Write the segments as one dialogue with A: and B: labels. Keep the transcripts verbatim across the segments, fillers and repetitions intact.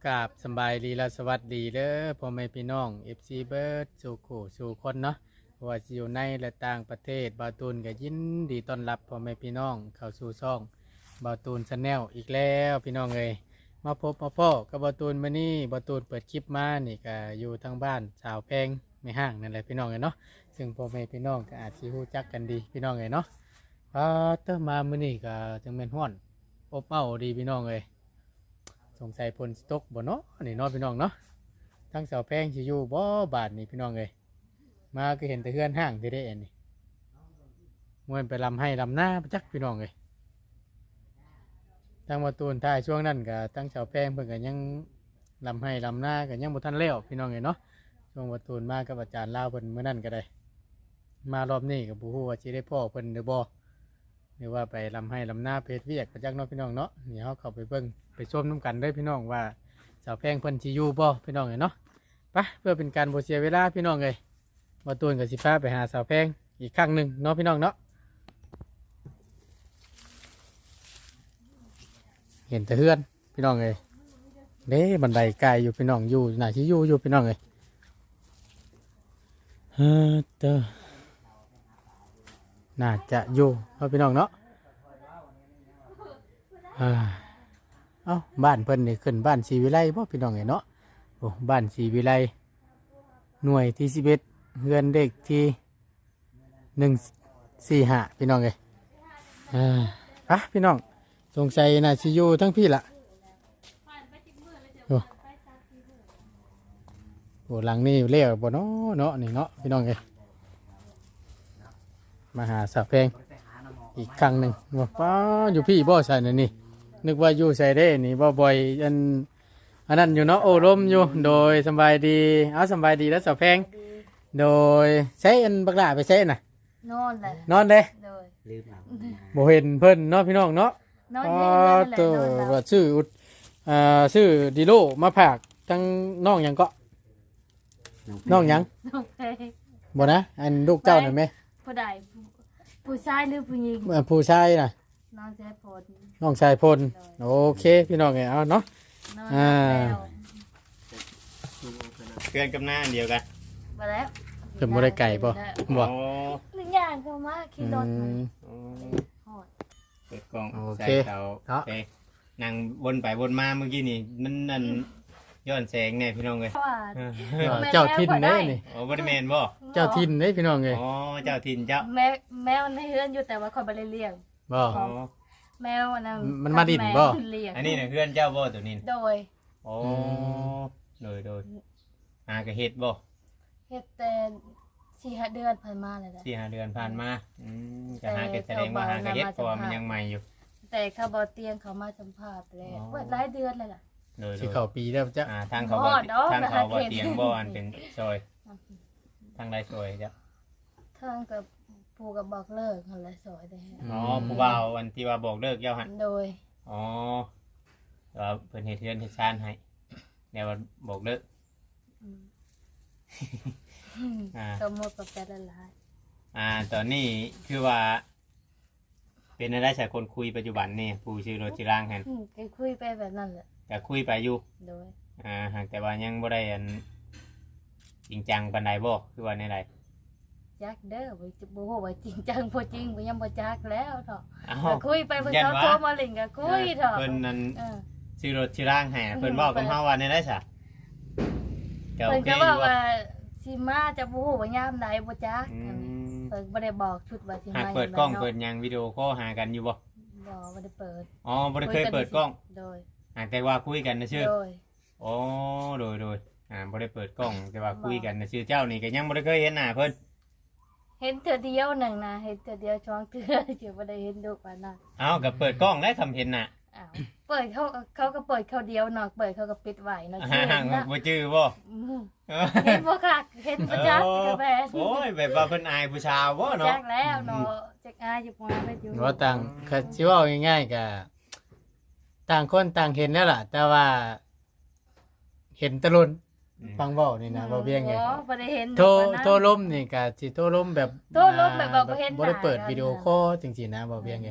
A: กราบสำบายดีและสวัสดีเด้อพ่อแม่พี่น้อง เอฟ ซี เบิร์ดสู่ขู่สู่คนเนาะว่าสิอยู่ในและต่างประเทศบาวตูนก็ยินดีต้อนรับพ่อแม่พี่น้องเข้าสู่ช่องบาวตูนชาแนลอีกแล้วพี่น้องเอ้ยมาพบมาพ่อกับบาวตูนมื้อนี้บาวตูนเปิดคลิปมานี่ก็อยู่ทางบ้านสาวแพงไม่ห้างนั่นแหละพี่น้องเอ้ยเนาะซึ่งพ่อแม่พี่น้องก็อาจสิรู้จักกันดีพี่น้องเอ้ยเนาะพอเตอมามื้อนี้ก็จังแม่นฮ้อนอบอ้าวดีพี่น้องเอ้ยสงสัยพลสตกบ่เนาะนี่เนาะพี่น้องเนาะทั้งเสาแพงสิอยู่บ่บาทนี่พี่น้องเอ้ยมาก็เห็นแต่เฮือนห้างที่ได้เอ็นนี่มวนไปลำให้ลำหน้าประจักพี่น้องเอ้ยทางมาตูนท้ายช่วงนั้นก็ทั้งเสาแพงเพิ่นก็ยังลำให้ลำหน้าก็ยังบ่ทันแล้วพี่น้องเอ้ยเนาะช่วงมาตูนมากับอาจารย์ลาวเพิ่นมื้อนั้นก็ได้มารอบนี้ก็บ่ฮู้ว่าสิได้พ่อเพิ่นหรือบ่หรือว่าไปลำให้ลำหน้าเพชรเวียกประจักเนาะพี่น้องเนาะนี่เฮาเข้าไปเบิ่งไปชมน้ำกันได้พี่น้องว่าสาวแพงเพิ่นสิอยู่บ่พี่น้องเอ้ยเนาะไปเพื่อเป็นการบ่เสียเวลาพี่น้องเอ้ยมาตูนกับสิฟ้าไปหาสาวแพงอีกครั้งหนึ่งเนาะพี่น้องเนาะเห็นแต่เฮือนพี่น้องเอ้ยเด้บันไดไกลอยู่พี่น้องอยู่น่าสิอยู่อยู่พี่น้องเอ้ยเฮ้อเด้อน่าจะอยู่เนาะพี่น้องเนาะอ่าเอ้าบ้านเพิ่นนี่ขึ้นบ้านศรีวิไลบ่พี่น้องเอ้ยเนาะโอ้บ้านศรีวิไลหน่วยที่สิบเอ็ดเฮือนเด็กที่หนึ่งสี่ห้าพี่น้องเอ้ยอ่าอ่ะพี่น้องสงสัยน่าสิอยู่ทั้งพี่ละโอ้โหหลังนี้เลี้ยวบ่เนาะเนาะนี่เนาะพี่น้องเอ้ยมาหาสาวแพงอีกครั้งหนึ่งว่าป้าอยู่พี่บ่ใส่นั่นนี่นึกว่าอยู่ใส่ได้นี่บ่บ่อยอันอันนั้นอยู่เนาะโอ้ลมอยู่โดยสบายดีเอาสบายดีแล้วสาวแพงโดยใช้อันบักหลาไปใช้น่ะ
B: นอนเลย
A: นอนเด้
B: โดย
C: ลืมเอา
A: บ่เห็นเพิ่นเนาะพี่น้องเนาะ
B: นอน
A: อ๋อ
B: เย็นเลย
A: ตั
B: นอน
A: ว
B: แล้ว
A: ชื่ออุดอ่าชื่อดิโลมาผากทั้งน้องหยังก็น้องหยัง
B: โอเค
A: บ่นะอันลูกเจ้านั่นแม่
B: ผู้ใดผู้ผู้ชายหรือผู้หญิง
A: เอ่อผู้ชายน่ะ
B: นอนแช่ผล
A: น้องชายพลโอเคพี่น้องเอ้ยเอาเนาะ
B: นอน
A: อ่า
B: แล้ว
C: เพื่อนกับหน้าอันเดียวกัน
B: มาแล้ว
A: เพิ่นบ่ได้ไก่บ่บ่
C: อ๋อ
B: หนึ่งอย่างเข้ามาขี่รถมัน
C: อ๋อ
B: หอด
C: เปิดกล้อง
A: โอ
C: ใส่
A: เค
C: เสา
A: เนาะ
C: โอเคนั่งวนไปวนมาเมื่อกี้นี่มันนั่นย้อนแสงเนี่ยพี่น้องเลย
B: เพราะว่า
C: เออ
A: เออเจ้าทินเด้นี่
C: โอ้บริเมนบ่
A: เจ้าทินเด้พี่น้องเอ้ย
C: อ๋อเจ้าถิ่นเจ้า
B: แมวแมวในเฮือนอยู่แต่ว่าคอยไปเลี้ยง
A: บ่
C: อ๋อ
B: แมวอันนั้น
A: มันมาดิ้นบ่
B: แมวเลี้ยง
C: อันนี้เนี่ยเพื่อนเจ้าบ่ตัวนี้
B: โดย
C: โอ้โดยโดยอากระเฮ็ดบ่
B: เฮ็ดแต่สี่ห้าเดือนผ่านมาเลยแหละ
C: สี่ห้าเดือนผ่านมาอืมจะหาเก็ดแสดงว่าหากระเฮ็ดเพราะว่ามันยังใหม่อยู่
B: แต่เขาบอเตียงเขามาสัมภาษณ์แล้ว
C: อ๋อ
B: เปิดหลายเดือนเลยล่ะ
C: โดยโด
A: สิ
C: ย
A: เข้าปีแล้วจ้ะ
C: อ่าทางเขา
B: อ๋
C: บ่
B: อเนาะ
C: ทางเขาบ่
B: หาเห็ด
C: เตียงบ่อันเป็นซอยทางใดซอยจ้ะ
B: ทางกับผูกับบอกเลิกหันละสอยได้ฮะ
C: อ๋อผู้บ่าววันที่ว่าบอกเลิกเจ้าหัน
B: โดย
C: อ๋อแต่ว่าเพิ่นเฮ็ดเรือนเฮ็ดชานให้แนวว่าบอกเลิก
B: อืม
C: อ่า
B: ก็หมดกับแต่ละลาย
C: อ่าตอนนี้คือว่า เป็นอะไรสายคนคุยปัจจุบันนี่ผู้ชื่อโรจิร่างแฮน
B: อืมก็คุยไปแบบนั้นแหละ
C: แต่คุยไปอยู่
B: โดย
C: อ่าหากแต่ว่ายังบ่ได้อันจริงจังปานใดบ่คือว่าในใด
B: จักเด้อบ่จะบ่ฮู้ว่าจริงจังบ่จริงบ่ยังบ่จักแล้วเถาะ
C: เอ้า
B: ก็คุยไปเพิ่น
C: ยัน
B: เขา
C: วะ
B: โทรมาเล่นก็คุยเถาะ
C: เพิ่นนั่น
B: เออ
C: ชื่อโรจิร่างให้เพิ่นเว้ากับเฮาว่าในใดซะก็โอ
B: เพิ่น
C: เค
B: ก็
C: อ
B: ว่า
C: ยู่
B: ว่า
C: ว่า
B: สิมาจะบ่ฮู้ว่ายามใดบ่จัก
C: อืม
B: เพิ่นบ่ได้บอกชุดว่าสิ
C: หาก
B: มา
C: เปิดกล้อง
B: ยามใ
C: เปิดหยังวิดีโอคอลหากันอยู่บ่
B: บ่บ่ได้เปิด
C: อ๋อบ่ได้เคยเปิดกล้อง
B: โดย
C: หากแต่ว่าคุยกันนะชื่อ
B: โดย
C: โอ้โดยโดยอ่าบ่ได้เปิดกล้องแต่ว่าคุยกันนะชื่อเจ้านี่ก็ยังบ่ได้เคยเห็นหน้าเพิ่น
B: เห็นเทื่อเดียวหนึ่งนะเห็นเทื่อเดียวช่องเทื่อจะไม่ได้เห็นดูกว่านั้น
C: เอ้าก็เปิดกล้องแล้วคำเห็นน่ะ
B: อ้าวเปิดเขาเขาก็เปิดเขาเดียวเนาะเปิดเขาก็ปิดไว้เนาะ
C: ห่า
B: เห็นนะ
C: บ่จื้อบ่
B: อืมเห็นบ่ค่ะเห็นประจักษ์กับแฟน
C: โอ้ยแบบว่าเพิ่นอายผู้ชาวบ่
B: จั
C: เนาะ
B: กแล้วเนาะจักอายอยู่มาไปอยู่
A: ว่าต่างคือสิเว้าง่ายๆก็ต่างคนต่างเห็นแล้วล่ะ แต่ว่า เห็นแตะลุนฟังเว้านี่นะเว้าเพียงไง
B: บ่บ่ได้เห็น
A: โทร
B: กว่านั้น
A: โทรลมนี่ก็สิโทรลมแบบ
B: โทรลมแบบว่าบ่เห็นหน้า
A: บ่ได้เปิด
B: กัน
A: วิดีโอคอลจริงๆนะเว้าเพียงไง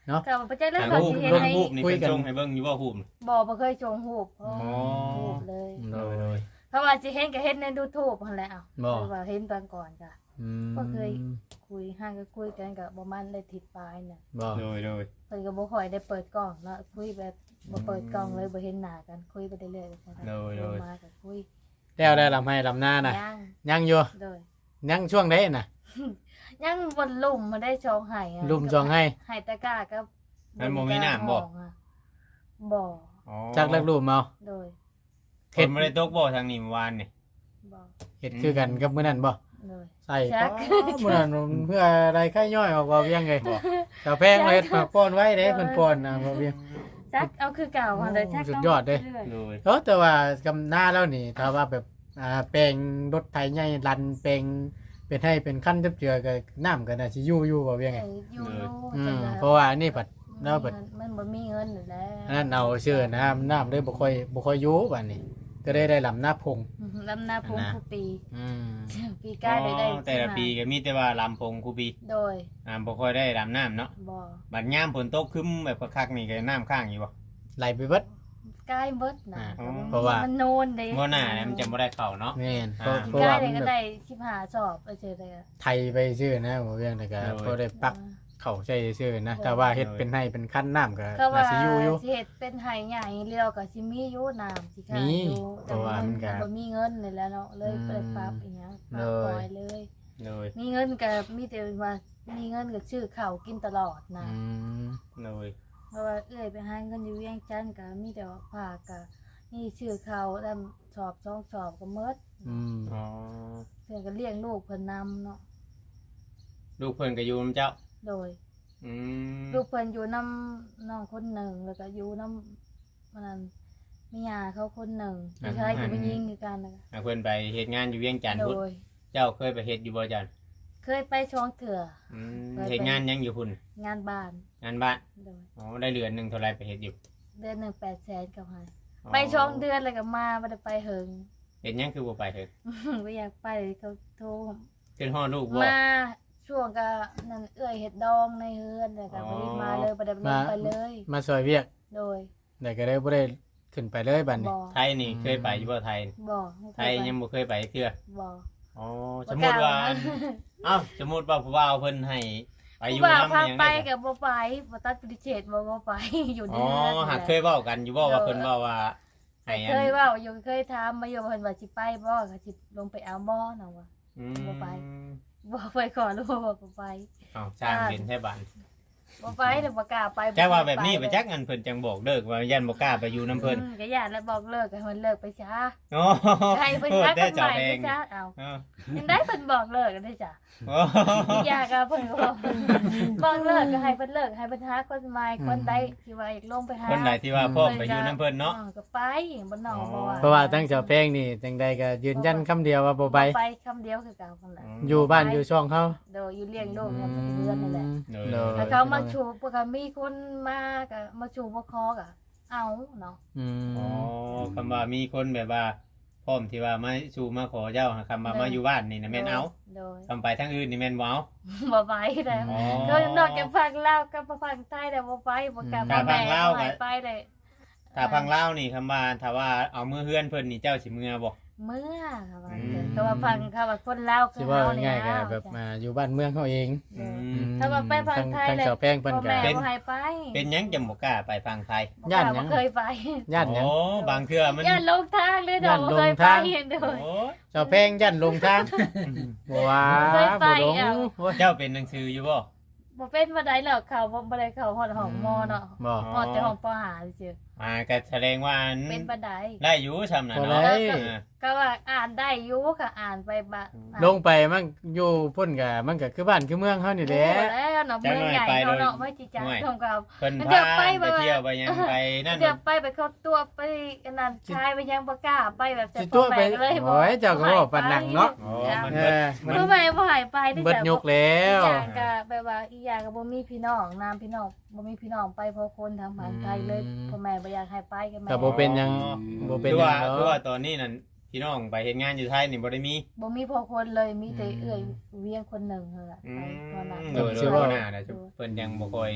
A: เนาะ
B: ก็บ่จักแล้ว
C: ทาง
B: เขา
C: รูป
B: สิเฮ็ด
C: เบิ่ง
B: ให้
C: รูปนี่
A: คุย
C: เป็น
A: กัน
C: ชงให้เบิ่งอยู่บ่รูป
B: บ่บ่เคยชงรูป
C: อ๋อ
B: รูปเลย
C: โดยโดย
B: เพราะว่าสิเห็นก็เห็นใน YouTube หั่นแหละเอ้า
A: บ่
B: คือว่าเห็นตอนก่อนก็
A: อืม
B: ก็เคย คุยห่างก็คุยกันก็ประมาณได้ทิศปลายน่ะ
A: บ่
C: โดยโดย
B: เพิ่นก็บ่ค่อยได้เปิดกล้องเนาะคุยแบบบ่เปิดกล้องเลยบ่เห็นหน้ากันคุยไปเรื่อยๆจังซั่น
C: โดยโดย
B: มาก็คุย
A: แล้วได้ลำให้ลำหน้าน่ะ
B: ยัง
A: ยังอยู่
B: โดย
A: ยังช่วงใดน่ะ
B: ยังบนลุ่มมาได้ชองไห้อะ
A: ลุ่มจองให้
B: ไห้ตะกร้าก็
C: มันบ่มีน้ำบ่
B: บ่
C: อ๋อ
A: จักเลิกรูปเมา
B: โดย
C: เห็นบ่ได้ตกบ่ทางนี้เมื่อวานนี่
B: บ่
A: เฮ็ดคือกันกับมื้อนั้นบ่
B: โดย
A: ใส่
B: จัก
A: มื้อนั้นเพื่ออะไรไข่ย่อยออกบ่เวียงไงแต่แพงเลยฝากป้อนไว้เด้เพิ่นป้อนนะบ่เวียง
B: จักเอาคือเก่ามาเลยจัก
A: สุดยอดเด้
B: รื่ๆ
C: โดย
A: เออแต่ว่ากำหน้าแล้วนี่ถ้าว่าแบบอ่าแปลงรถไถใหญ่ลันแปลงเป็นให้เป็นขั้นจับเจือก็น้ำก็น่าสิอยู่อยู่บ่เวียงไง
B: เอออยู่อยู่
A: อื
B: จั
A: ม
B: งเลย
A: เพราะว่าอันนี้ผัดเราผัด
B: มันบ่มีเงินอยู่แล้ว
A: อันนั้นเอาเชื่อน้ำน้ำเลยบ่ค่อยบ่ค่อยอยู่บัดนี้ ก็ได้ได้ลำหน้าพง
B: ลำนาพง
A: นะ
B: ทุกปี
A: อืม
B: ปีกายได้ได้
C: อ๋อแต่ละปีก็มีแต่ว่าลำพงคูปี
B: โดย
C: อ่าบ่ค่อยได้ลำน้ำเนาะ
B: บ่
C: บัดยามฝนตกครึ้มแบบคักๆนี่ก็น้ำข้างอยู่บ่
A: ไหลไปเบิด
B: กายเบิดนะ
A: อ่าเพราะว่ามั
B: นโนนเด้
C: บ่หน้าเนี่ยมันจะบ่ได้เข้าเนาะ
A: แม่นเพ
C: อ่า
A: ราะเพราะ
B: กา
A: ว่าย
B: ได้
A: มัน
B: ก็
A: แบบ
B: ได้สิบห้าสอบไปเจอเลยอะ
A: ไทยไปชื่อนะบ่เวียงแต่ก็
C: โดย
A: พอได้ปักเข้าใช้ชื่อนะแต่ว่าเฮ็ดเป็นให้เป็นขั้นน้ำก็
B: ก็ว่า
A: น่าสิอยู่อยู่
B: สิเฮ็ดเป็นไห้ใหญ่เรียวก็สิมีอยู่น้ำสิค่ะ
A: มี
B: อยู่
A: เพราะว่ามันก็
B: บ่มีเงินนี่แหล้วเนาะเลย
A: อืม
B: ไปปรับอีหยังป
A: เล
B: รับ
A: ย
B: ปล่อยเลย
C: โดย
B: มีเงินก็มีแต่ว่ามีเงินก็ซื้อข้าวกินตลอดนะ
A: อืม
C: โดย
B: เพราะว่าเอื้อยไปหาเงินอยู่เวียงจันทน์ก็มีแต่ว่าฝากก็นี่ซื้อข้าวแล้วสอบสองสอบก็หมด
A: อืม
C: อ๋อ
B: เพิ่นก็เลี้ยงลูกเพิ่นนำเนาะ
C: ลูกเพิ่นก็อยู่นำเจ้า
B: โดย
C: อืม
B: ลูกเพิ่นอยู่นำน้องคนหนึ่งแล้วก็อยู่นำมันนั้นมียาเขาคนหนึ่งผู้ชายก็ไปยิงคือกันนะคะ
C: อ่าเพิ่นไปเฮ็ดงานอยู่เวียงจันทน์
B: โด
C: พุ่น
B: ย
C: เจ้าเคยไปเฮ็ดอยู่บ่จัน
B: เคยไปช่องเถื่อ
C: อืม
B: ไป
C: เฮ็ดงานหยังอยู่พุ่น
B: งานบ้าน
C: งานบ้าน
B: โดย
C: อ๋อได้เดือนหนึงเท่าไหร่ไปเฮ็ดอยู่
B: เดือนหนึ่งแปดแสนกับให้
C: อ๋อ
B: ไปช่องเดือนเลยก็มาไม่ได้ไปเหิง
C: เฮ็ดหยังคือบ่ไปเฮ็ด
B: ไม่อยากไปเขาโทร
C: ขึ้นฮอดลูกบ่
B: มาช่วงก็นั่นเอื้อยเห็ดดองในเฮือนเลยก็
C: อ๋อ
B: ไม่ได้มาเลยไม่ได้ลงไปเลย
A: มาซอยเวียก
B: โดย
A: แต่ก็ได้บ่ได้ขึ้นไปเลยบัดนี้
B: บ่
C: ไทยนี่เคยไปอยู่บ่ไทย
B: บ่
C: ไทยยังบ่เคยไปเทื่อ
B: บ่
C: อ๋อสมมุติว่า
B: บ่กล้
C: เอ้าสมมุติว่าผู้บ่าวเพิ่นให้ไปอยู่
B: ผู้บ่าว
C: นำ
B: พา
C: หยัง
B: ไป
C: ได้
B: กับบ่ไปบ่ตัดปฏิเสธบ่บ่ไป อยู่ใน
C: อ๋อ
B: เฮือน
C: หาก
B: นั่น
C: เค
B: แห
C: ย
B: ละ
C: เว้ากันอยู่บ่ว่าเพิ่นเว้าว่าให้อัน
B: เคยเว่าอยู่เคยถามมาอยู่เพิ่นว่าสิไปบ่ก็สิลงไปเอาบ่เนาะว่า
C: อืม
B: บ่ไป บ่ไปขอรู้ว่าบ่ไป
C: เอ้าสร้างเป็นแท้บ้าน
B: บ่ไปเดี๋ยวบ่กล้าไป
C: แต่ว่าแบบนี้ไปจักอันเพิ่นจังบอกเลิกว่ายันบ่กล้าไปอยู่นํเพิ่น
B: อืมก็ญาติแล้วบอกเลิกให้มันเลิกไปซะ
C: โอ้
B: ให้เพิ่น
C: พูด
B: หาค
C: ได้
B: น
C: เจ้า
B: ใหม่
C: แพ
B: ไป
C: ง
B: ซะเอา
C: เออ
B: ยังได้เพิ่นบอกเลิกกันได้จ้ะ
C: โอ้
B: อยากก็เพิ่นก็บอกบอกเลิกก็ให้เพิ่นเลิกให้เพิ่นหาคนใหม่คนใดที่ว่าอยากลงไปหา
C: คนไหนที่ว่าพ่อไปอยู่นํเพิ่นเนาะ
B: ออก็ไปบ่นอกบ่ว่า
A: เพราะว่าตั้งเจ้าแป้งนี่จังใดก็ยืนยันคำเดียวว่าบ่ไป
B: ไปคำเดียวคือเก่าคนละ
A: อยู่บ้านอยู่ช่องเขา
B: โดยอยู่เลี้ยงลูกเนี่ยเป็นเดือนนั่นแหละ
C: เอ
A: โด
C: อย
B: แล้วเขามาชูปกติมีคนมาก็มาชูมาคอก็เอาเนาะ
A: อืม
C: อ๋อคำว่ามีคนแบบว่าพร้อมที่ว่ามาสู่มาขอเจ้าหาคำว่ามาอยู่บ้านนี่นะแม่นเอา
B: โดย
C: คำไปทางอื่นนี่แม่นบ่เอา
B: บ่ไปแล้ว
C: อ๋อ
B: ก็นอกจากฟังลาวกับฟังใต้แล้วบ่ไปบ่กลับ
C: ถ้าฟังลาวก็
B: บ่ให้ไปเลย
C: ถ้าพังเล่าวนี่คำว่าถ้าว่าเอามือเฮือนเพิ่นนี่เจ้าสิมือบ่
B: เมื่อค่ะว่า
C: อืม
B: ก็ว่าฟังค่ะว่าคนลาวคื
A: สิ
B: อ
A: ว่า
B: เฮานี่
A: ง่ายๆก็
B: นะ
A: แบบมาอยู่บ้านเมืองเขาเอง
B: เออ
C: อืม
B: ถ้าว่าไปฝั่งไทย
A: ทั้ง
B: เลย
A: เจ้าแป้งเพิ่น
B: พ่อ
A: ก็
B: แม่
C: เป็น
B: บ่ให้ไป
C: เป็นหยังจังบ่กล้าไปฟังไทย
A: ย่านหยัง
B: บ่เคยไป
A: ย่านหยัง
C: โอ้บางเทื่อมัน
B: ย่านลงทางเลยเนาะ
A: ย่าน
B: บ่
A: ลง
B: เคยไป
A: ทาง
B: เห็นโดย
C: โอ้
A: เจ้าแป้งย่านลงทางบ่ว่า
B: เคยไป
A: บ่ลง
B: เอา
A: โอ้ย
C: เจ้าเป็นหนังสืออยู่บ่
B: บ่เป็นบ่ได้หรอกเขาบ่บ่ได้เข้าฮอดห้องมอเนาะ
A: บ่
B: ฮอดแต่ห้องปห้าซื่อ
C: อ่าก็แสดงว่า
B: ๆเป็นบ่ได้
C: ได้อยู่ซำน่ะ
A: บ่
C: เนาะ
A: ได้
C: เออ
B: ก็ว่าอ่านได้อยู่ค่ะอ่านไปบะอ่าน
A: ลงไปมันอยู่พุ่นก็มันก็คือบ้านคือเมืองเฮานี่แหละ
B: โอ้แล้วเนาะเมืองใหญ่เขาเนาะไม่จิจังของเขา
C: เพิ่น
B: เดี๋
C: พา
B: ยวไป
C: ไป
B: บ่
C: เที่ยวไปหยังไปนั่น
B: เดี๋ยวไปไปเข้าตัวไปกันนั่นชายไปยังบ่กล้าไปแบบ
A: สิตัวไป
B: แปลกเลย
A: โอ้ยเจ้าก็บอกปานนังเนาะ
C: อ๋อมัน
A: เอ
C: เบิด
A: อมัน
B: บ่ไปบ่ให้ไปที่
A: เบิดยกแล้ว
B: อีกอย่างก็แบบว่าอีกอย่างก็บ่มีพี่น้องนามพี่น้องบ่มีพี่น้องไปเพราะคนทางฝั่งไทยเลยพ่อแม่บ่อยากให้ไปกันแม่
A: ก็บ่เป็นหยังบ่เป็น
C: คือ
A: หยั
C: ว่าง
A: เนาะ
C: คือว่าตอนนี้นั่นพี่น้องไปเฮ็ดงานอยู่ไทยนี่บ่ได้มี
B: บ่มีพอคนเลยมีแต่
A: อืม
B: เอื้อยเวียงคนหนึ่งเท่านั้น
C: อื
B: ไป
C: ม
B: เท่านั้น
C: โดยโดยว่าหน้าน่ะจะเพิ่นยังบ่ค่อย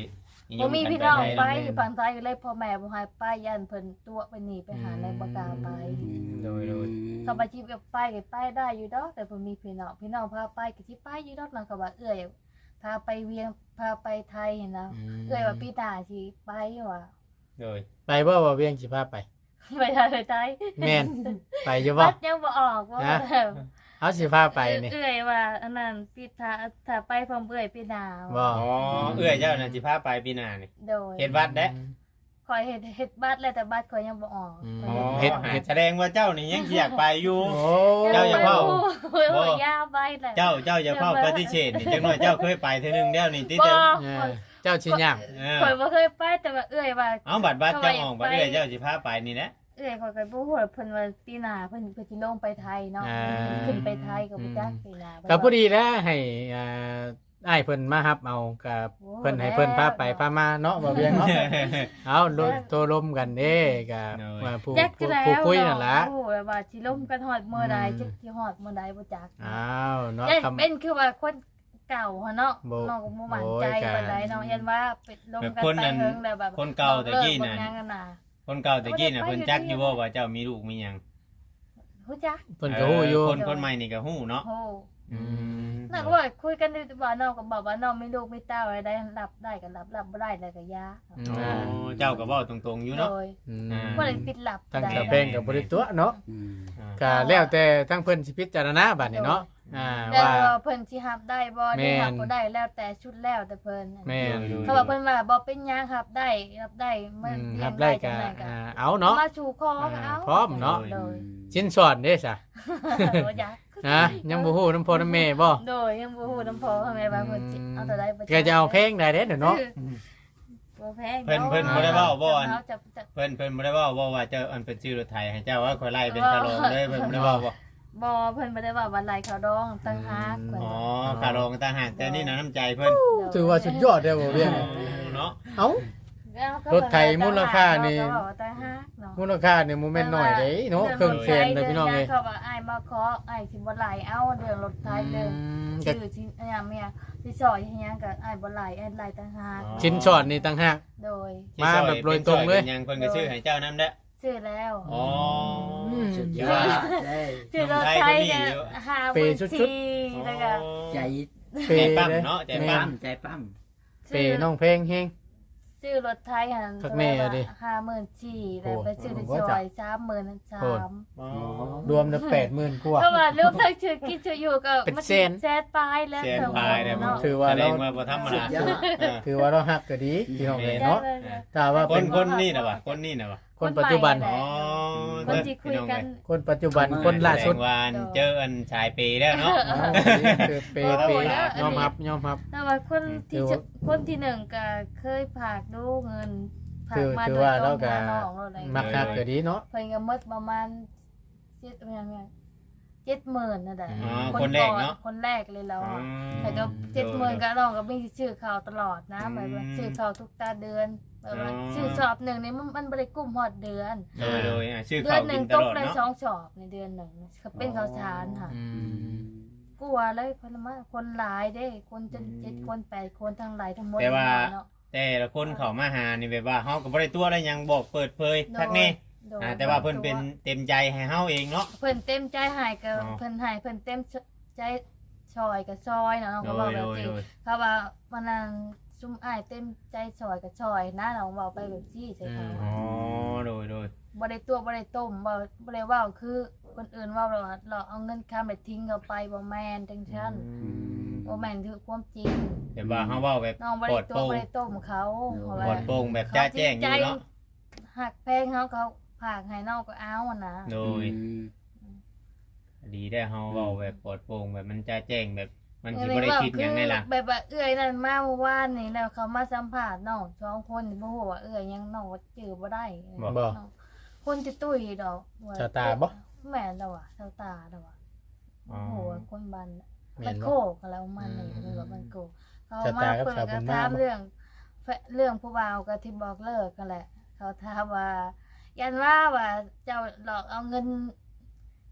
C: นิย
B: บ่
C: ม
B: มี
C: กัน
B: พี่น้องไป
C: ด้
B: อยู่ฝั่งไทยก็เลยพ่อแม่บ่ให้ไปย่านเพิ่นตัวไปหนีไปหาในบ่กล้าไป
C: โดยโดย
B: เขาไปจิบไปก็ไปได้อยู่ดอกแต่บ่มีพี่น้องพี่น้องพาไปก็สิไปอยู่ดอกนั่นก็ว่าเอื้อยพาไปเวียงพาไปไทยนะเอื้อยว่าพี่ตาสิไปว่า
C: โดย
A: ไปบ่ว่าเวียงสิพาไป
B: ไปไทยไปไทย
A: แม่นไปอยู่บ่
B: วัดยังบ่ออกว่า
A: ฮะ เอาสิพาไปนี่
B: เอื้อยว่าอันนั้นพี่ตาถ้าไปพร้อมเอื้อยพี่ดา
A: บ่
C: อ๋อเอื้อยเจ้าน่ะสิพาไปปีหน้านี่
B: โดย
C: เฮ็ดวัดเด้
B: คอยเฮ็ดเฮ็ดบัตรแล้วแต่บัตรคอยยังบ่ออก
C: อ๋อ
A: เฮ็ด
C: เฮ็ดแสดงว่าเจ้านี่ยังสิอยากไปอยู่
A: โอ้
C: เจ้าอย่าเว้า
B: โอ้ยโอ้ยยาวไปแหละ
C: เจ้าเจ้าอย่าเฝ้าปฏิเสธนี่จังน้อยเจ้าเคยไปเทื่อนึงแล้วนี่ติ
B: บ่
C: เจ้า
A: เออเจ้าชิย่าง
C: เออ
B: คอยบ่เคยไปแต่ว่าเอื้อยว่า
C: เอาบัตรบัตรเจ้าออกบัตรเอื้อยเจ้าสิพาไปนี่แหละ
B: เอื้อยคอยก็บ่ฮู้ว่าเพิ่นว่าปีหน้าเพิ่นเพิ่นสิลงไปไทยเนาะขึ้นไปไทยก็บ่จักปีหน้า
A: ก็พอดีแล้วให้อ่าอ้ายเพิ่นมารับเอากับเพิ่นให้เพิ่นพาไปพามาเนาะบ่เวียงเนาะ เอาโลโตลมกันเด้กับว่าผู้
B: จัก
A: ผู้
B: แล้ว
A: ผู้คุยนั่นล่ะ
B: โอ้ยว่าสิลงกันฮอดมื้อใดจักสิฮอดมื้อใดบ่จัก
A: อ้าวเนาะ
B: ยัน
A: คำ
B: เป็นคือว่าคนเก่าฮะเนาะ
A: บ่
B: น้องก็บ่มั่น
A: โอ้ย
B: ใจ
A: กะ
B: ปานใดเนาะยันว่าเป็นลงกัน
C: แบบคน
B: ไป
C: นั้น
B: เฮิงแล้วแบบ
C: คนเก่าแต่กี้น่ะ
B: เลิบ่ยังกันน่ะ
C: คนเก่าตะกี้น่ะเพิ่นจักอยู่บ่ว่าเจ้ามีลูกมีหยัง
B: ฮู้จัก
A: เพิ่นก็ฮู้อยู่
C: เคนคนใหม่นี่ก็ฮู้เนาะ
B: โอ้
C: อืม
B: น้องก็ว่าคุยกันอยู่ว่าน้องก็บอกว่าน้องมีลูกมีเต้าอะไรได้รับได้ก็รับรับบ่ได้แล้วก็ยา
A: อื
C: อ๋อ
A: ม
C: เจ้าก็เว้าตรงๆอยู่เนาะ
B: โดย
A: อืม
C: อ่า
B: บ่ได้ปิดลับ
A: ทั้ง
B: ใด
A: กระเพงกับบริตัวเนาะ
D: อืม
C: อ่า
A: ก็แล้วแต่ทั้งเพิ่นสิพิจารณาบัดนี้เนาะอ่า
B: แล้ว
A: ว่า
B: ว่าเพิ่นสิรับได้บ่
A: แม่
B: ได้
A: น
B: รับบ่ได้แล้วแต่ชุดแล้วแต่เพิ่น
A: แม่น
B: เขาบอกเพิ่นว่าบ่เป็นหยังครับได้รับได้
A: อื
B: มัน
A: ม
B: เลี้ย
A: รั
B: ง
A: บได้
B: จั
A: ก็
B: งไดก็
A: อ่าเอาเนาะ
B: มาสู่คอก็เอา
A: พร้อมเนาะ
B: โดย
A: ชิ้นสอนเด้ซะ
B: บ่อยาก
A: ฮะยังบ่ฮู้น้ำพ่อน้ำแม่บ่
B: โดยยังบ่ฮู้น้ำพอแม่ว่าเพิ่นสิเอาแต่ใดบ่
A: ก็จะเอาเพลงได้เด้เดี๋ยวเนาะ
B: บ่แพง
C: เพิ่นเพิ่นบ่ได้เว้าบ่อัน
B: เอาจะจะ
C: เพิ่นเพิ่นบ่ได้เว้าบ่ว่าเจ้าอันเป็นชื่อรถไถให้เจ้าว่าค่อยไล่เป็นชะโลมเลยเพิ่นบ่ได้เว้าบ่
B: บ่เพิ่นบ่ได้ว่าวันไรเขาดองตั้งหากเพิ่น
C: อ๋อคารองต่างหากแต่นี่น่ะน้ำใจเพิ่น
A: ถือว่าสุดยอดเด้อบ่เวียง
C: เนาะ
A: เอ้า รถไถมูลค่านี่
B: เขบอกว่าตั้งหากเนาะ
A: มูลค่าเนี่ยบ่แม่นน้อยเด้เนาะเครื่องแสนเลยพี่น้องเอ้ย
B: เขาว่าอ้ายมาขออ้ายสิบ่ไหลเอาเรื่องรถไถเรื่อง
A: ก็
B: ชื่อที่อันยังเมียที่ซอยให้ยังก็อ้ายบ่ไหลอ้ายไหลตั้งหาก
A: ชิ้นสอนนี่ต่างหาก
B: โดย
A: มาแบบโดยตรงเลย
C: ป็นยังเพิ่นก็ชื่อให้เจ้านํเด้อ
B: ซื้อแล้ว
C: อ๋อ
D: สุดย
C: ถือ
D: อ
C: ว่า
D: ดได้
B: ซื้อรถไถเนี่ยห้าหมื่นสี่แล้วก็
D: ใจ
A: เป
C: ใจ
A: ย์
C: ปั๊ม
A: เด้
C: เนาะใจ
D: ใจ
C: ปั๊
D: ปั้
C: ม
D: มใจปั้ม
A: เปย์น้องเพลงเฮง
B: ซื้อรถไทยหัน
A: คักแม่อะดิ
B: ห้าหมื่นสี่แล้วไปซื้อที่
A: โอ้
B: ซ
A: โห
B: อยสามหมื่นสา
A: โอ้
B: ม
C: อ๋อ
A: รวมแล้วแปดหมื่นกว่า
B: ก็ว่ารูปทั้งชื่อกินชื่ออยู่ก็
A: เป็น
B: มัน
A: แสน
B: แสนปลายแล้ว
C: เสียนพายได้บ่
B: เนาะ
A: ถือว่า
C: แสด
A: เรา
C: งว่าบ่ธรรม
D: สุ
C: ดา
D: ดยอด
C: เออ
A: ถือว่าเราฮักก็ดีพี่น้องเอ้ยเนาะถ้าว่า
C: ค
A: เป็น น
C: คนนี่น่ะว่ะคนนี่น่ะว่ะ
A: คนปัจจุบัน
B: คนใหม่
C: อ๋อ
B: คนที่คุยกัน
A: คนปัจจุบันคนล่าสุด
C: แสดงว่าเจออันชายปีแล้วเนาะ
A: อ้าวคือเปย์เปย์ยอมรับยอมรับ
B: แต่ว่าคนที่
A: ถือว่า
B: คนที่หนึ่งก็เคยฝากดูเงินฝา
A: คื
B: ก
A: อ
B: มา
A: ถือ
B: โดย
A: ว่า
B: ตร
A: เรา
B: ง
A: ก็
B: หาน้องเราอะไร
A: มักฮักก็ดีเนาะ
B: เพิ่นก็หมดประมาณเจ็ดประมาณเจ็ดหมื่นนั่นแหละ
C: อ๋อคนแรกเนาะ
B: คนแรกเลยเรา
C: อื
B: อะ
C: ม
B: แต่ก็เจ็ดหมื่นก็น้องก็มีชื่อเขาตลอดนะ
C: อืม
B: แบบว่าชื่อเขาทุกตาเดือนแบบว่า
C: อ๋อ
B: ชื่อสอบหนึ่งนี่มันมันบริกลุ่มหอดเดือน
C: โดยโดยอ่ะชื่อ
B: เดือ
C: เขา
B: นห
C: กิ
B: นึ่ง
C: นต
B: ต
C: ล
B: ก
C: อด
B: ได้
C: เนาะ
B: สองสอบในเดือนหนึ่งเขาเป็นข้าวสารค่ะ
A: อืม
B: กลัวเลยคนละมาคนหลายเด้ คนจนเจ็ดคนแปดคนทั้งหลายทั้งหมด
C: แต่ว่า
B: เนาะ
C: แต่ละคนเขามาหานี่แบบว่าเฮาก็บ่ได้ตัวได้หยังบอกเปิดเผยทักแน่
B: โดย
C: อ่าแต่ว่าเพิ่นเป็นเต็มใจให้เฮาเองเนาะ
B: เพิ่นเต็มใจใหายกับ
C: อ๋อ
B: เพิ่นใหายเพิ่นเต็มใจซอยกับซอยเนาะน้อง
C: โด
B: ก็บอก
C: ย
B: แบ
C: โด
B: บ
C: ย
B: นี้
C: โดย
B: เขาว่าวันนั้นซุ่มอ้ายเต็มใจซอยกับซอยนะน้องบอกไปแบบจี้ใส่เขา
C: อ๋อโดยโดย
B: บ่ได้ตัวบ่ได้ต้มบ่บ่ได้เว่าคือคนอื่นเว่าเราว่าเราเอาเงินค้าไปทิ้งเขาไปบ่แม่นจังซั่นบ่แม่นคือความจริง
C: แต่ว่าเฮาเว้าแบบ
B: น้องบ่
C: ปล
B: ได้
C: อด
B: ตั
C: โป
B: ว
C: ร่ง
B: บ่ได้ต้มเขาเพราะ
C: ปล
B: ว่า
C: อดโปร่งแบบจ้าแจ้งอยู่เนาะ
B: หักแพงเขาเขาผากให้น้องก็เอาอะนะ
C: โดยดีได้เฮาเว้าแบบปลอดโปร่งแบบมันจ้าแจ้งแบบมันสิบ่ได้คิดหยังในหลัง
B: แบบว่าเอื้อยนั่นมาเมื่อวานนี่แล้วเขามาสัมภาษณ์น้องสองคนนี่บ่ฮู้ว่าเอื้อยยังน้องว่าจื้อบ่ได้
A: บ่
B: คนที่ตุ้ยดอกว่
A: ชาวตาบ่
B: แม่นแล้วอ่ะชาวตาแล้วอ่ะ
C: อ๋อ
B: โอ้โหคนบ้าน
A: แม่
B: มัน
A: น
B: โค
A: บ่
B: กแล้วมันนี่
A: อืม
B: มันแบบมันโกกเขา
A: ชาว
B: มา
A: ตากับ
B: เปิด
A: ชาวบุ
B: กั
A: ญ
B: น
A: มา
B: ถาม
A: บ่
B: เรื่องแฟเรื่องผู้บ่าวกับที่บอกเลิกกันแหละ เขาถามว่า ยันว่าว่าเจ้าหลอกเอาเงิน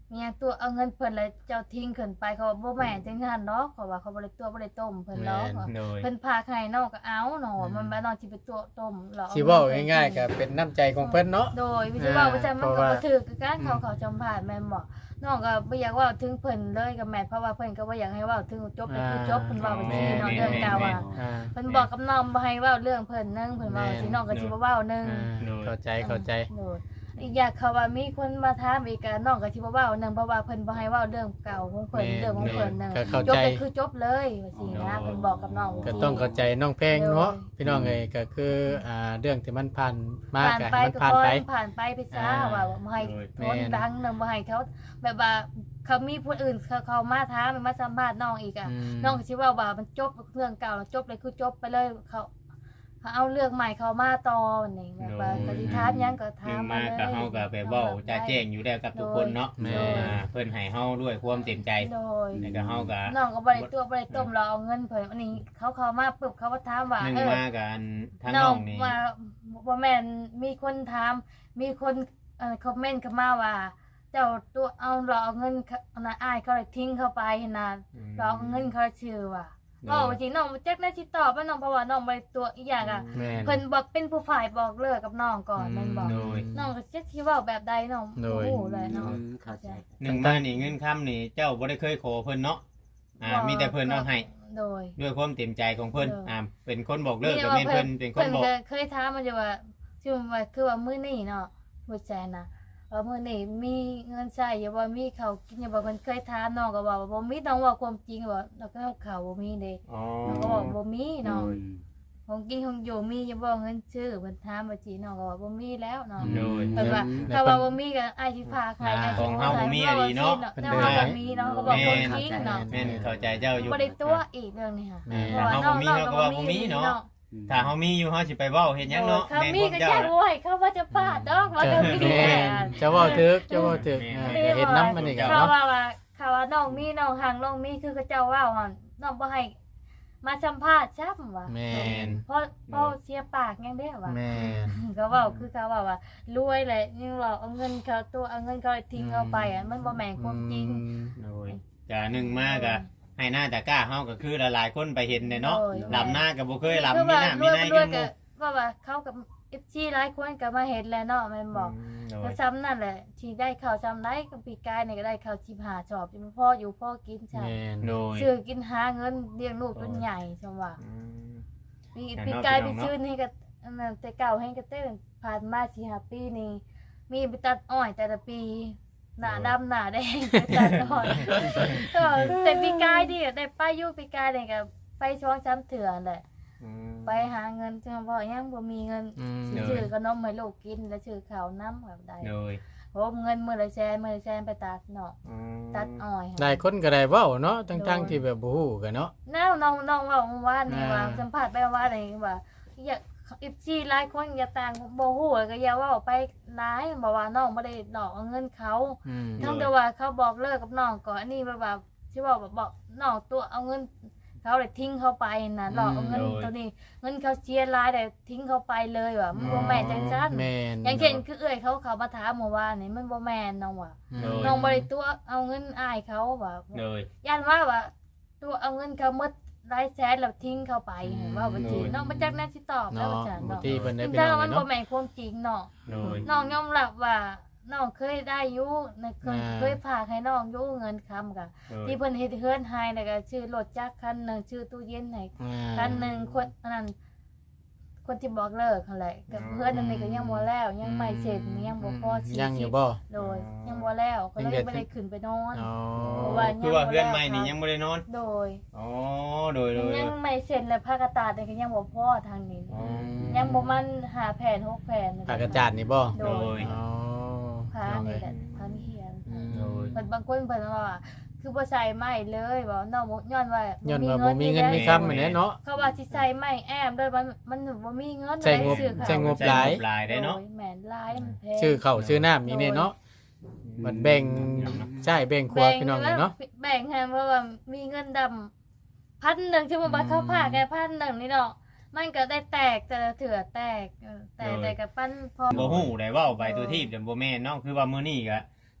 B: เมียตัวเอาเงินเพิ่นแล้วเจ้าทิ้งเพิ่นไปเขาบ่แม่นจังซั่นเนาะเขาว่าเขาบ่ได้ตัวบ่ได้ต้มเพิ่นเนาะ
C: โดย
B: เพิ่นพาให้น้องก็เอาเนาะมันบ่น้องสิไปตัวต้มหรอก
A: สิเว้าง่ายๆก็เป็นน้ำใจของเพิ่นเนาะ
B: โดยวิธีว่าว่าจะมันก็
A: เพราะว่า
B: บ่ถูกคือการเขาเขาจำผ่านแม่นบ่น้องก็บ่อยากเว้าถึงเพิ่นเลยก็แม่นเพราะว่าเพิ่นก็บ่อยากให้เว้าถึงจบเลยคือจบเพิ่นเว้าไปทีเนาะเรื่องเก่าอ่ะ
A: อ่า
B: เพิ่นบอกกับน้องบ่ให้เว้าเรื่องเพิ่นนึงเพิ่นเว้าสิน้องก็สิบ่เว้านึง
A: อ่าเข้าใจเข้าใจ
B: โดยอีกอย่างเขาว่ามีคนมาถามอีกก็น้องก็สิบ่เว้านึงเพราะว่าเพิ่นบ่ให้เว้าเรื่องเก่าของเพิ่นเรื่องของเพิ่นนึง
A: ก็เข้า
B: จบ
A: ใจ
B: ก็คือจบเลยว่าสินะเพิ่นบอกกับน้อง
A: ก็ต้องเข้าใจน้องเพลงเนาะพี่น้องเอ้ยก็คืออ่าเรื่องที่มันผ่านมา
B: ผ่าน
A: ก็
B: ไป
A: ให้มัน
B: ก็
A: ผ่าน
B: พอ
A: ไป
B: ผ่านไปไปซะ
A: อ่า
B: ว่าบ่ให้
A: แม่
B: ทน
A: น
B: ดังนึงบ่ให้เขาแบบว่าเขามีผู้อื่นเขาเขามาถามมาสัมภาษณ์น้องอีกอ่ะ
A: อืม
B: น้องก็สิว่าว่ามันจบเรื่องเก่าจบเลยคือจบไปเลยเขาเขาเอาเรื่องใหม่เขามาต่อนี่แบบว่าก็สิถามหยังก็
C: ห
B: ถา
C: นึ่
B: ม
C: ง
B: มา
C: มา
B: เลย
C: ก็เฮาก็ไปเว้าจะแจ้งอยู่แล้วกับทุกคนเนาะ
A: แม่
C: อ่าเพิ่นให้เฮาด้วยความเต็มใจ
B: โดย
C: แล้วก็เฮาก็
B: น้องก็บ่ได้ตัวบ่ได้ต้มเราเอาเงินเพิ่นอันนี้เขาเขามาปึ๊บเขาก็ถามว่า
C: หนึ่ง
B: เออ
C: มากันทั้ง
B: น้
C: น้
B: อ
C: อง งนี่
B: ว่าบ่แม่นมีคนถาม มีคนเอ่อคอมเมนต์เข้ามาว่า เจ้าตัวเอาเราเอาเงินเขาอันน่ะอ้ายเขาเลยทิ้งเข้าไปหั่นน่ะเราเอาเงินเขาชื่อว่าก็จริงน้องบ่จักได้สิตอบว่าน้องเพราะว่าน้องบ่ได้ตัวอีกอย่างอ่ะ
A: แม่น
B: เพิ่นบอกเป็นผู้ฝ่ายบอกเลิกกับน้องก่อนแม่นบอก
C: โดย
B: น้องก็จักสิเว้าแบบใดน้อง
A: โดย
B: โอ้โหเลยน้อง
D: เข้าใจ
C: หนึ่งมานี่เงินค้ำนี่เจ้าบ่ได้เคยขอเพิ่นเนาะอ่ามีแต่เพิ่นเอาให้
B: โดย
C: ด้วยความเต็มใจของเพิ่น
B: เอออ่
C: อ่าเป็นคนบอกเลิกก็แม่นเพิ่นเป็นคน
B: เพิ่น
C: บอก
B: ก็เคยถามมาอยู่ว่าชื่อว่าคือว่ามื้อนี้เนาะผู้แจน่ะว่ามื้อนี้มีเงินใช้อยู่บ่มีข้าวกินอยู่บ่เพิ่นเคยถามน้องก็บอกว่าบ่มีน้องว่าความจริงว่าแล้วก็ข้าวบ่มีเด้
C: อ๋อ
B: น้องก็บอกบ่มีเนาะ
D: โดย
B: ของกินของอยู่มีอยู่บ่เงินซื้อเพิ่นถามว่าจีน้องก็ว่าบ่มีแล้วเนาะ
C: โดย
B: เพิ่นว่า
A: แล้
B: ถ้าว
A: เพิ่
B: ว่าน บ่มีก็อ้ายสิพาใครอ้ายสิ
C: ของเฮาบ่มีอะดีเนาะ
B: เนาะว่าบ่มีเนาะก็บอกความจริงเนาะ
C: แม่นเข้าใจเจ้าอยู่
B: บ่ได้ตัวอีกเรื่องนี้ค่ะ
A: แม่
B: เพราะว่าน้องน้องก็บ่มีเนาะ
C: ถ้าเฮามีอยู่เฮาสิไปเว้าเฮ็ดหยังเนาะ
B: เขา
C: แม่น
B: มี
C: พวก
B: ก็
C: เจ้า
B: แค่รวยเขาว่าจะพลาดดอกว่าจะมี
A: แม่นจะเว้าถึกจะเว้าถึก
C: แม่น
A: อ่าก็เฮ็ดน้ำมันอีกอะ
B: เขา
A: เนาะ
B: ว่าว่าเขาว่าน้องมีน้องห่างน้องมีคือเขาเจ้าว่าหั่นน้องบ่ให้มาสัมภาษณ์ซ้ํว่า
A: แม่น
B: เพราะเพราะเสียปากยังได้ว่า
A: แม่น
B: เขาเว้าคือเขาว่าว่ารวยแหละยังเราเอาเงินเขาตัวเอาเงินเขาทิ้งเอาไปอ่ะมันบ่แม่นความจริง
C: โดยจะหนึ่งมาก็ให้หน้าตะกร้าเฮาก็คือหลายๆคนไปเห็นเนี่ยเนาะ
B: โดย
C: ลำหน้าก็บ่เคยลำ
B: คือ
C: มี
B: ว่า
C: หน้าร มี
B: วย
C: ใน
B: ร
C: กั
B: วย
C: นห
B: ก็
C: มู่
B: ว่าว่าเขากับ เอฟ ซี หลายคนก็มาเห็นแล้วเนาะแม่นบอก
C: โด
B: ก็
C: ย
B: ซ้ำนั่นแหละที่ได้ข้าวซ้ำได้ก็ปีกายนี่ก็ได้ข้าวสิบห้าชอบจะพ่ออยู่พ่อกินใช่
A: แม่น
C: โดย
B: ซื้อกินหาเงินเลี้ยงลูกจนใหญ่จังว่า
C: อืม
B: ปี
C: แต่
B: ปี
C: เนาะ
B: กาย
C: พี่
B: ไป
C: น้องเนาะ
B: ชื่อนี่ก็อันนั้นแต่เก่าให้ก็เต้นผ่านมาสี่ห้าปีนี่มีไปตัดอ้อยแต่ละปีหน้าดำหน้าแดงไปตัดอ้อยก็แต่ปีกายดิได้ไปอยู่ปีกายนี่ก็ไปช่วงช้ำเถื่อนแหละ
C: อืม
B: ไปหาเงินจังพ่อยังบ่มีเงิน
A: อืม
B: สิซื้อขนมให้ลูกกินแล้วซื้อข้าวน้ำแบบใด
C: โดย
B: โหเงินมื้อละแสนมื้อละแสนไปตัดเนาะ
C: อืม
B: ตัดอ้อย
A: หลายคนก็ได้เว้าเนาะทั้งๆที่แบบบ่ฮู้กันเนาะ
B: แนวน้องน้องเว่าเมื่อวานนี่ว่า
A: อ่า
B: สัมภาษณ์ไปเมื่อวานนี่ว่าอย่าอีซีหลายคนอย่าต่างบ่ฮู้ก็อย่าเว้าไปหลายบอกว่าน้องบ่ได้ดอกเอาเงินเขา
A: อืม
B: ทั้งแต่ว่าเขาบอกเลิกกับน้องก่อนอันนี้แบบว่าสิว่าแบบบอกน้องตัวเอาเงิน เขาเลยทิ้งเขาไปนะหลอกเอาเงินตัวนี้เงินเขาเชียร์รายแต่ทิ้งเขาไปเลยว่ะมันบ่แม่นจังซั่น
A: แม่น
B: อย่างเช่นคือเอ้ยเขาเขามาถามเมื่อวานนี่มันบ่แม่นน้องว่ะ
A: อืม
C: โดย
B: น้องบ่ได้ตัวเอาเงินอ้ายเขาว่า
C: โดย
B: ย่านว่าว่าตัวเอาเงินเขาหมดรายแสนแล้วทิ้งเขาไปเห็นว่าบ่จริง
C: โดย
B: น้องบ่จักแน่สิตอบแล้ว
A: เนาะ
B: ว่าจัง
A: บาง
B: เนาะ
A: ทีเพิ่นได้
B: ถึง
A: ไป
B: ถ้า
A: เอา
B: มัน
A: เนาะ
B: บ่แม่นความจริงเนาะ
C: โดย
B: น้องยอมรับว่าน้องเคยได้อยู่ในเคย
A: อ่า
B: เคยฝากให้น้องอยู่เงินค้ำกะ
C: โดย
B: ที่เพิ่นเฮ็ดเฮือนให้แล้วก็ชื่อรถจักรคันหนึงชื่อตู้เย็นให้
A: อ่า
B: คันหนึงคนอันนั้นคนที่บอกเลิกนั่นแหละกับเพื่อนอันนี้ก็ยังบ่แล้วยังไม่เสร็จยังบ่พอสิ
A: ยังอยู่บ่
B: โดยยังบ่แล้วก็เลย
A: ยังเด็ด
B: บ่ได้ขึ้นไปนอน
A: อ๋อ
B: เพราะว่า
C: คือว่าเพื่อนใหม่นี่ยังบ่ได้นอน
B: โดย
C: อ๋อโดยโดย
B: ยังไม่เสร็จเลยผ้ากระตาดนี่ก็ยังบ่พอทางนี้
C: อ๋อ
B: ยังบ่มันหาแผ่นหกแผ่น
A: ปากกระจาดนี่บ่
B: โด
C: โด
B: ย
C: ย
A: อ๋อ
B: ผ้า
A: น้อง
B: นี่
A: เอ้ย
B: แหละผ้ามีเหียน
A: อืม
C: โดย
B: เพิ่นบางคนเพิ่นว่าคือบ่ใส่ไม้เลยบ่น้องบ่ย้อนว่า
A: ย้อน
B: บ่
A: ว่าบ่มีเงินมี
B: ด้
A: คำเหมือนเนาะ
B: เขาว่าสิใส่ไม้แอมด้วยมันมันบ่มีเงิน
A: ใส่งบ
B: ซื้อข้าว
A: ใส่งบ
C: ใช้งบหลายได้เนาะ
B: โดยแม่นหลายมันแพง
A: ชื่อเข้าวชื่อน้ำมีเนี่ยเนาะมันแบ่งใช่แบ่งครัวพี่น้องเลยเนาะ
B: แบ่งให้เพราะว่ามีเงินดำพันหนึ่งที่มันบัตรเข้าผ้าแค่พันหนึ่งนี่เนาะมันก็ได้แตกแต่ละเถื่อแตกเออแต่แต่กับปั้นพอ
C: บ่ฮู้ได้เว้าไปตัวที่แต่บ่แม่นเนาะคือว่ามื้อนี้ก็ท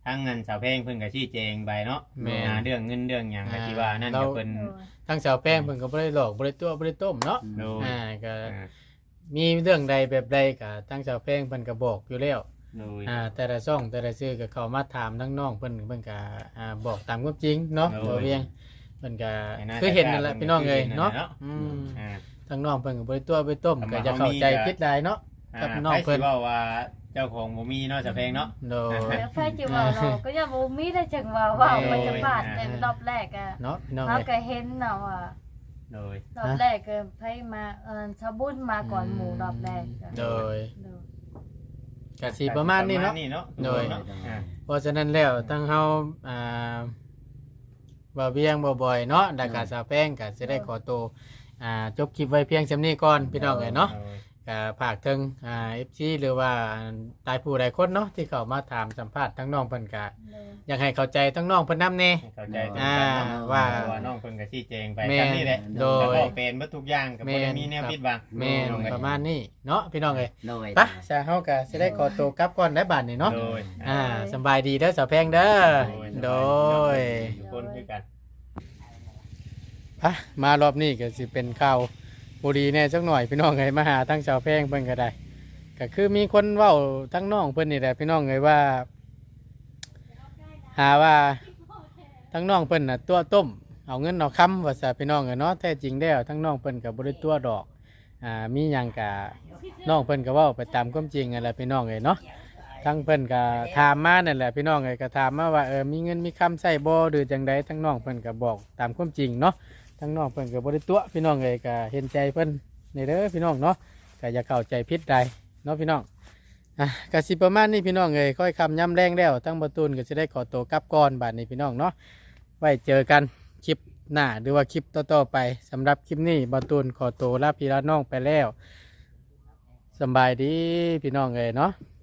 C: ทั้งเงินสาวแพงเพิ่นก็ชี้แจงไปเนาะ
A: แม่น
C: อ่าเรื่องเงินเรื่องหยังก็ที่ว่านั่น
A: เรา
C: ก็เพิ่น
B: โดย
A: ทั้งสาวแป้งเพิ่นก็บ่ได้หลอกบ่ได้ตัวบ่ได้ต้มเนาะ
C: โดย
A: อ่าก็
C: อ่า
A: มีเรื่องใดแบบใดก็ทั้งสาวแป้งเพิ่นก็บอกอยู่แล้ว
C: โดย
A: อ่าแต่ละช่องแต่ละชื่อก็เข้ามาถามทั้งน้องเพิ่นเพิ่นก็อ่าบอกตามความจริงเนาะ
C: โดย
A: บ่เวียงเพิ่นก็
C: ให้หน้า
A: คือเห็นนั่นแหละ
C: ตา
A: พี่น้องเอ้ยเนาะ
C: เพิ่นก็คือเห็นนั่นแหละเนาะ
A: อืม
C: อ่า
A: ทั้งน้องเพิ่นก็บ่ได้ตัวบ่ได้ต้ม
C: คำ
A: ก็
C: ว่า
A: จะ
C: เขา
A: เข้า
C: มี
A: ใจ
C: ก็
A: ผิดได้เนาะ
C: อ่า
A: กับน้อง
C: ไผ
A: เพิ่
C: สิ
A: น
C: เว้าว่าเจ้าของบ่มีเนาะสาวแพงเนาะ
A: โดย
B: แล้วไฟจิว่าเราก็ยังบ่มีได้จังว่าว่า
A: แม่
B: มันจะบาดแต่รอบแรกอ่ะ
A: เนาะพี่น้อง
B: เรา
A: เอ้ย
B: ก็เห็นเนาะว่า
C: โดย
B: รอบแรกก็ไผมาเออชาวบุญมาก่อนหมู่รอบแรกก็
A: โดย
B: โดย
A: ก็สิประมาณนี้เนาะ
C: ประมณเนาะ
A: โดย
C: เนาะอ่า
A: เพราะฉะนั้นแล้วทั้งเฮาอ่าบ่เวียงบ่บ่อยเนาะดักกาสาวแป้งก็สิได้ขอตัวอ่าจบคลิปไว้เพียงส่ำนี้ก่อนพี่น้องเอ้ยเนาะ
C: โดย
A: ก็ฝากถึงอ่า เอฟ ซี หรือว่าตายผู้ใดคนเนาะที่เข้ามาถามสัมภาษณ์ทั้งน้องเพิ่นก็
B: โดย
A: อยากให้เข้าใจทั้งน้องเพิ่นนำแน่
C: ให้เข้าใจตรง
A: อ่า
C: กันเนาะ
A: ว่า
C: เพระว่าน้องเพิ่นก็ชี้แจงไป
A: แม่น
C: คำนี้แหละ
A: โดย
C: แล้วก็เป็นเบิดทุกอย่างก็บ่ได้มีแนว
A: แม่น
C: ปิดบัง
A: แม่น
C: น้องเอ้ย
A: ประมาณนี้เนาะพี่น้องเอ้ย
D: โดย
A: ไปซะเฮาก็สิได้ขอตัวกลับก่อนได้บัดนี้เนาะ
C: โดย
A: อ่าสำบายดีเด้อสาวแพงเด้อโดย
C: ทุกคนคือกัน
A: พะมารอบนี้ก็สิเป็นข่าวบุรีแน่จักหน่อยพี่น้องเอ้ยมาหาทั้งชาวแพงเพิ่นก็ได้ก็คือมีคนเว้าทั้งน้องเพิ่นนี่แหละพี่น้องเอ้ยว่า หาว่าทั้งน้องเพิ่นน่ะตัวต้มเอาเงินเอาคำว่าซะพี่น้องเอ้ยเนาะแท้จริงแล้วทั้งน้องเพิ่นก็บ่ได้ตัวดอกอ่ามีหยังก็น้องเพิ่นก็เว้าไปตามความจริงนั่นแหละพี่น้องเอ้ยเนาะทั้งเพิ่นก็ถามมานั่นแหละพี่น้องเอ้ยก็ถามมาว่าเออมีเงินมีคำใช้บ่หรือจังใดทั้งน้องเพิ่นก็บอกตามความจริงเนาะ ทั้งน้องเพิ่นก็บ่ได้ตัวพี่น้องเอ้ยก็เห็นใจเพิ่นนี่เด้อพี่น้องเนาะก็อย่าเข้าใจผิดใดเนาะพี่น้องอ่ะก็สิประมาณนี้พี่น้องเอ้ยค่อยคำย้ำแรงแล้วทั้งประตูนก็จะได้ขอตัวกลับก่อนบัดนี้พี่น้องเนาะไว้เจอกันคลิปหน้าหรือว่าคลิปต่อๆไปสำหรับคลิปนี้ประตูนขอตัวลาพี่ลาน้องไปแล้วสำบายดีพี่น้องเอ้ยเนาะ